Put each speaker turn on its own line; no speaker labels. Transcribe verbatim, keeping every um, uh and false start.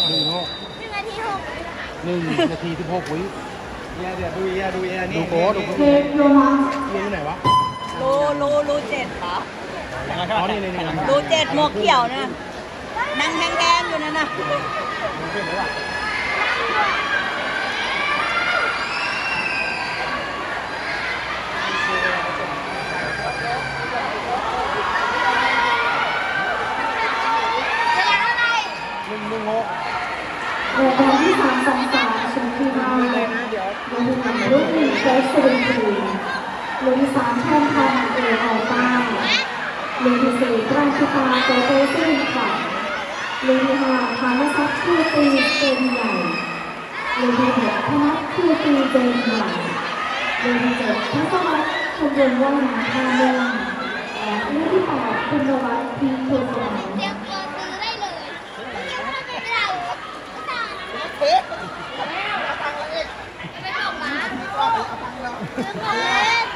หนึ่งหก
หนึ่งนาทีหก
หนึ่งนาทีสิบหกวิ
เอียเดี๋ยวดูเอียดูเอียนี่
ดูโค้ดดูโค้ด
เทปโยมา
เรียนที่ไหนวะ
รูรูรูเจ็ดเหรอ
อ๋อนี่นี่นี่
รูเจ็ดหมวกเขียวนะนั่งแดงๆอยู่นั่นน่ะ
เวลาเท่าไหร่
หนึ่งหนึ่งหก
รายการที่สามสองสามชมพูมาเลยนะเดี๋ยวดูทำรุ่นหนึ่งเฟสซีรีส์รุ่นสามแทนทองเอออต้ารุ่นที่สี่ราชตาโตโตซิ่งค่ะรุ่นที่ห้าพานุพัฒน์คือตีเต็มใหญ่รุ่นที่หกธนัทคือตีเต็มใหญ่รุ่นที่เจ็ดทัศวัฒน์ชมรมว่ายน้ำท่าเมืองและรุ่นที่แปดคุณนวัฒน์พีโทสม
เตรียมตัวซื้อได้เลยไม่ได้ไม่ได้ไม่บอกร้านซื้อของเล่น